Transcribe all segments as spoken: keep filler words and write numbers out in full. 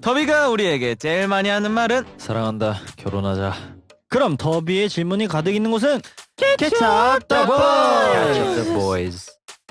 더비가 우리에게 제일 많이 하는 말은 사랑한다. 결혼하자. 그럼 더비의 질문이 가득 있는 곳은 Catch up the Catch boys. up the boys.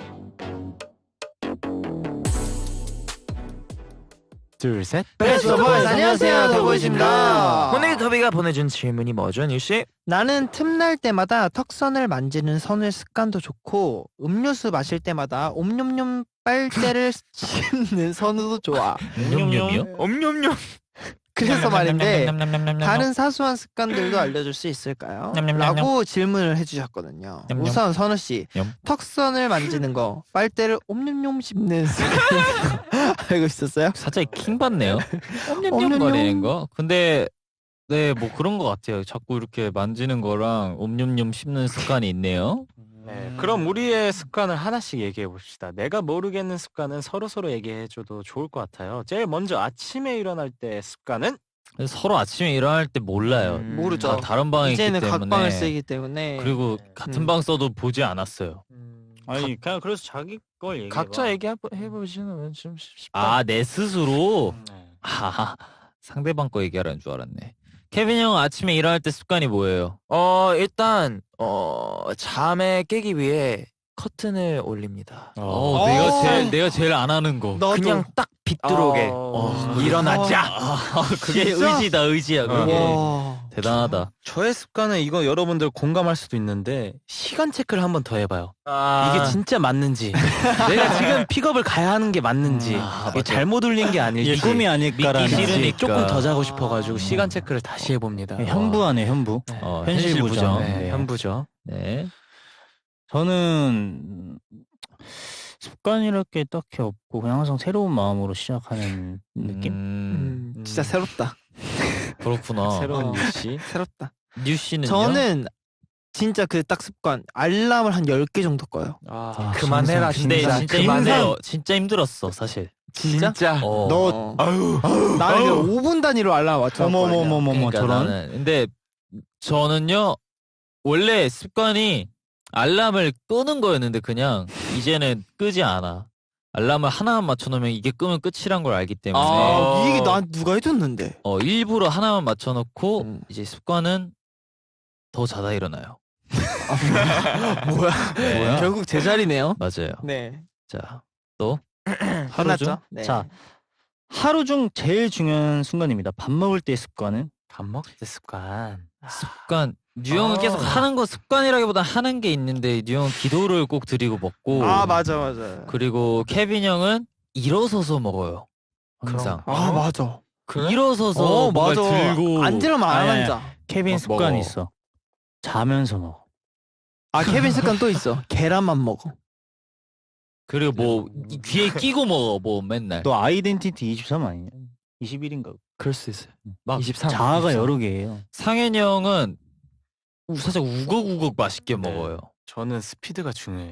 둘셋 Catch the boys. 안녕하세요, 더보이즈입니다. 오늘 더비가 보내준 질문이 뭐죠, 뉴씨? 나는 틈날 때마다 턱선을 만지는 선을 습관도 좋고 음료수 마실 때마다 옴뇸뇸 빨대를 씹는 선우도 좋아. 냠냠이요? 엄냠냠. 그래서 말인데 냠냠냠냠냠냠. 다른 사소한 습관들도 알려줄 수 있을까요? 냠냠냠냠. 라고 질문을 해주셨거든요. 냠냠. 우선 선우씨 냠. 턱선을 만지는 거 빨대를 옴뇸뇸 씹는 습관 알고 있었어요? 살짝 킹 받네요. 옴뇸뇸. 옴뇸거리는 거. 근데 네, 뭐 그런 것 같아요. 자꾸 이렇게 만지는 거랑 옴뇸뇸 씹는 습관이 있네요. 네, 그럼 우리의 습관을 하나씩 얘기해 봅시다. 내가 모르겠는 습관은 서로 서로 얘기해줘도 좋을 것 같아요. 제일 먼저 아침에 일어날 때 습관은 서로 아침에 일어날 때 몰라요. 음. 모르죠. 다 다른 방에 있기 이제는 때문에. 각방을 쓰기 때문에 그리고 같은 음. 방 써도 보지 않았어요. 아니 그냥 그래서 자기 걸 얘기해. 각자 얘기해보시면 좀 쉽다. 아, 내 스스로? 네. 아, 상대방 거 얘기하라는 줄 알았네. 케빈 형 아침에 일어날 때 습관이 뭐예요? 어 일단 어 잠에 깨기 위해 커튼을 올립니다. 어, 어. 내가 제일 내가 제일 안 하는 거. 너도 그냥 딱 빛 들어오게 어, 일어나자. 아, 그게 진짜? 의지다, 의지야. 그게. 와. 대단하다. 저의 습관은 이거 여러분들 공감할 수도 있는데 시간 체크를 한 번 더 해봐요. 아, 이게 진짜 맞는지 내가 지금 픽업을 가야 하는 게 맞는지 아, 이게 맞아. 잘못 울린 게 아닐지 이게 꿈이 아닐까라는 믿기 싫으니까. 조금 더 자고 싶어가지고 시간 체크를 다시 해봅니다. 현부하네 현부. 어, 현실 현실 부정. 부정. 네, 네. 현부죠. 네. 저는 습관이랄 게 딱히 없고 그냥 항상 새로운 마음으로 시작하는 느낌. 음, 음, 진짜 새롭다. 그렇구나. 새로운 어. 뉴시. 새롭다. 뉴 씨는요? 저는 진짜 그 딱 습관 알람을 한 열 개 정도 꺼요. 아, 그만해라 근데 진짜. 진짜 그만해. 힘들어. 진짜 힘들었어, 사실. 진짜? 진짜. 어. 너 나는 그냥 오 분 단위로 알람 맞춰. 어머머머머머 그러니까 저런. 나는 근데 저는요 원래 습관이 알람을 끄는 거였는데 그냥 이제는 끄지 않아. 알람을 하나만 맞춰놓으면 이게 끄면 끝이란 걸 알기 때문에 아, 이 얘기 난 누가 해줬는데? 어 일부러 하나만 맞춰놓고 음. 이제 습관은 더 자다 일어나요. 뭐야? 네. 결국 제자리네요. 맞아요. 네. 자 또 하루 중. 끝났죠? 네. 자 하루 중 제일 중요한 순간입니다. 밥 먹을 때의 습관은 밥 먹을 때 습관. 습관. 뉴형은 아. 계속 하는 거 습관이라기보다 하는 게 있는데 뉴형은 기도를 꼭 드리고 먹고 아 맞아 맞아. 그리고 케빈 형은 일어서서 먹어요. 항상. 아 맞아. 일어서서 어 뭔가 맞아. 들고 앉으려면 안 아니, 아니, 앉아. 케빈 뭐, 습관이 먹어. 있어. 자면서 먹어. 아 케빈 습관 또 있어. 계란만 먹어. 그리고 뭐 이- 귀에 끼고 먹어 뭐 맨날. 너 아이덴티티 이십삼 아니냐? 이십일인가? 그럴 수 있어요. 막 이십삼. 자아가 이십삼. 여러 개예요. 상현이 형은 우- 살짝 우걱우걱 맛있게 먹어요. 저는 스피드가 중요해요.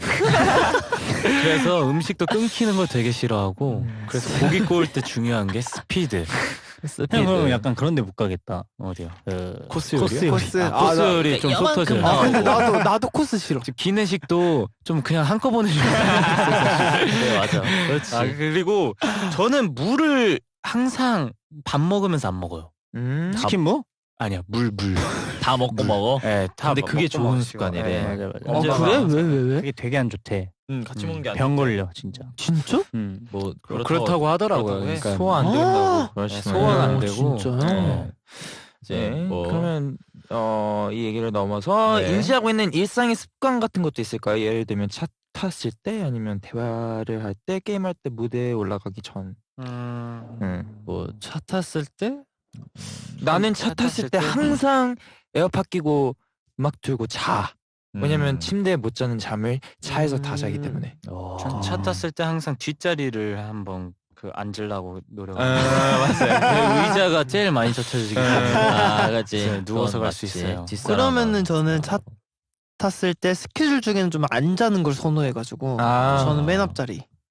그래서 음식도 끊기는 걸 되게 싫어하고 그래서 고기 구울 때 중요한 게 스피드. 스피드. 형 그러면 약간 그런데 못 가겠다. 어디요? 그 코스 요리요? 코스 요리. 코스. 아, 아, 코스 나- 요리 좀 요만큼 쏟아져요. 먹어. 아 근데 나도 나도 코스 싫어. 지금 기내식도 좀 그냥 한꺼번에 좀 네 맞아. 그렇지. 아, 그리고 저는 물을 항상 밥 먹으면서 안 먹어요. 음. 치킨 뭐? 아니야, 물, 물. 다 먹고 먹어. 네, 다 근데 먹- 그게 먹고 좋은 먹으시고. 습관이래. 네. 맞아 맞아. 어 언제 그래? 봐. 왜 왜 왜? 그게 되게 안 좋대. 응, 같이 음, 먹는 게 아니야. 병 걸려 진짜. 진짜? 음. 뭐 그렇다고, 그렇다고 하더라고요. 그렇다고 해. 그러니까 소화 안 아. 된다고. 네, 소화가 안 어, 되고. 진짜요? 네. 이제 네. 뭐 그러면 어, 이 얘기를 넘어서 네. 인지하고 있는 일상의 습관 같은 것도 있을까요? 예를 들면 차 탔을 때 아니면 대화를 할 때 게임할 때 무대에 올라가기 전. 음, 음. 뭐 차 탔을 때 나는 차 탔을 때 항상 에어팟 끼고 음악 틀고 자. 왜냐면 음. 침대에 못 자는 잠을 차에서 다 자기 음. 때문에. 어. 전 차 탔을 때 항상 뒷자리를 한번 그 앉으려고 노력. 아, 맞아요. 그 의자가 제일 많이 젖혀지기 때문에. 아, 그렇지. 네, 누워서 그건 갈 수 맞지. 있어요. 뒷사람은. 그러면은 저는 차 탔을 때 스케줄 중에는 좀 안 자는 걸 선호해가지고 아. 저는 맨 앞자리.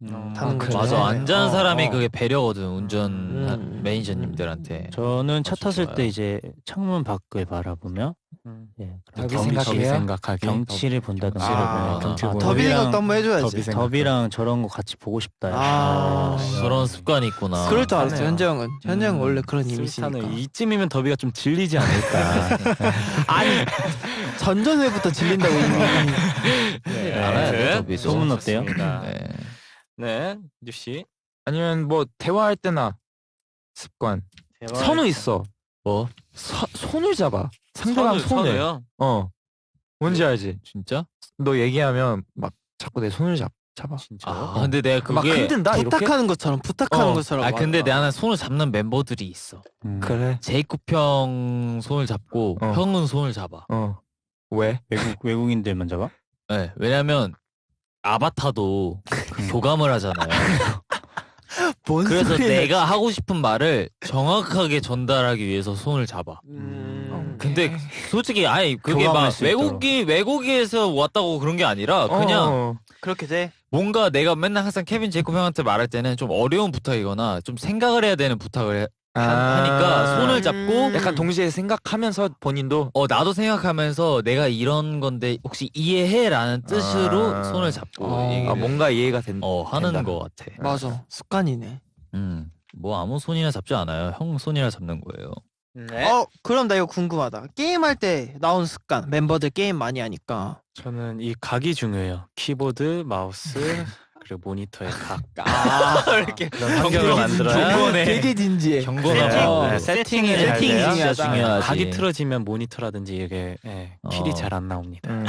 음, 타는 아, 거 그래? 맞아. 좋아하네. 안 자는 어, 사람이 어. 그게 배려거든. 운전 음. 매니저님들한테. 저는 차 아주 탔을 좋아요. 때 이제 창문 밖을 바라보며 음. 예, 자기 경치, 생각해요? 생각하게 경치를 본다든가 경치를 아, 보거나. 경치 아, 보면서 더비는 더비랑- 것도 한번 해줘야지. 더비 생각. 더비랑 저런 거 같이 보고 싶다. 아, 저런 습관이 있구나. 그럴 줄 알았어. 하네요. 현재 형은. 현재 형은 음, 원래 그런 스윗하네. 이미지니까. 이쯤이면 더비가 좀 질리지 않을까. 아니 전전회부터 질린다고 이미. 네, 알아야 돼. 네. 더비도. 소문 어때요? 좋습니다. 네. 네, 뉴씨. 아니면 뭐 대화할 때나 습관. 선우 있어. 뭐? 서, 손을 잡아. 상대방 손을. 선우요? 어. 뭔지 알지? 진짜? 너 얘기하면 막 자꾸 내 손을 잡 잡아. 진짜요? 아, 근데 내가 막 그게 흔든다 이렇게. 부탁하는 것처럼 부탁하는 어. 것처럼. 아 근데 맞아. 나는 손을 잡는 멤버들이 있어. 음, 그래. 제이콥 형 손을 잡고 어. 형은 손을 잡아. 어. 왜? 외국 외국인들만 잡아? 네, 왜냐면 아바타도 교감을 하잖아요. 뭔 그래서 소리야. 내가 하고 싶은 말을 정확하게 전달하기 위해서 손을 잡아. 음. 근데 솔직히 아니 그게 교감할 막 수 있도록. 외국이 외국에서 왔다고 그런 게 아니라 그냥 어. 그렇게 돼. 뭔가 내가 맨날 항상 케빈 제이콥 형한테 말할 때는 좀 어려운 부탁이거나 좀 생각을 해야 되는 부탁을 해- 아. 하니까 손을 잡고 음. 약간 동시에 생각하면서 본인도 어 나도 생각하면서 내가 이런 건데 혹시 이해해라는 뜻으로 아. 손을 잡고 어. 얘기를 아, 뭔가 이해가 된. 어 하는 된다. 거 같아. 맞아. 습관이네. 음. 뭐 아무 손이나 잡지 않아요. 형 손이나 잡는 거예요. 네. 어 그럼 나 이거 궁금하다. 게임할 때 나온 습관. 멤버들 게임 많이 하니까. 저는 이 각이 중요해요. 키보드, 마우스, 그리고 모니터의 각. 아 이렇게 그런 환경을 만들어야 경건해. 되게 진지해. 경건하고 세팅, 어, 네, 세팅이 잘 세팅이 돼야 중요하다. 중요하지. 각이 틀어지면 모니터라든지 이게 예, 킬이 어. 잘 안 나옵니다. 음.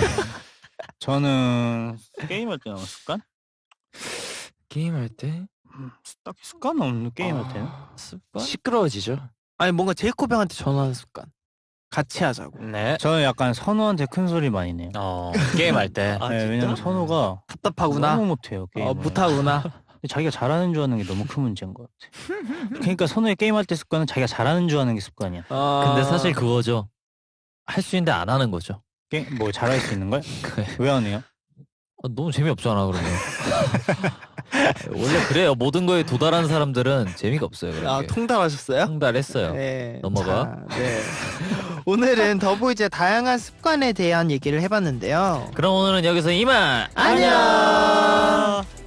저는 게임할 때 나온 습관? 게임할 때 음, 딱히 습관은 없는 게임할 때는. 습관? 시끄러워지죠. 아니 뭔가 제이콥 형한테 전화하는 습관. 같이 하자고. 네. 저는 약간 선우한테 큰 소리 많이 내요. 어, 게임할 때. 아, 네, 진짜? 왜냐면 선우가 답답하구나. 너무 못해요 게임을. 어, 못하구나. 근데 자기가 잘하는 줄 아는 게 너무 큰 문제인 것 같아. 그러니까 선우의 게임할 때 습관은 자기가 잘하는 줄 아는 게 습관이야. 근데 사실 그거죠. 할 수 있는데 안 하는 거죠. 게임 뭐 잘할 수 있는 걸? 왜 안 해요? 아, 너무 재미없잖아 그러면. 원래 그래요. 모든 거에 도달하는 사람들은 재미가 없어요. 그런 아 게. 통달하셨어요? 통달했어요. 네. 넘어가. 자, 네. 오늘은 더보이즈의 다양한 습관에 대한 얘기를 해봤는데요. 그럼 오늘은 여기서 이만. 안녕.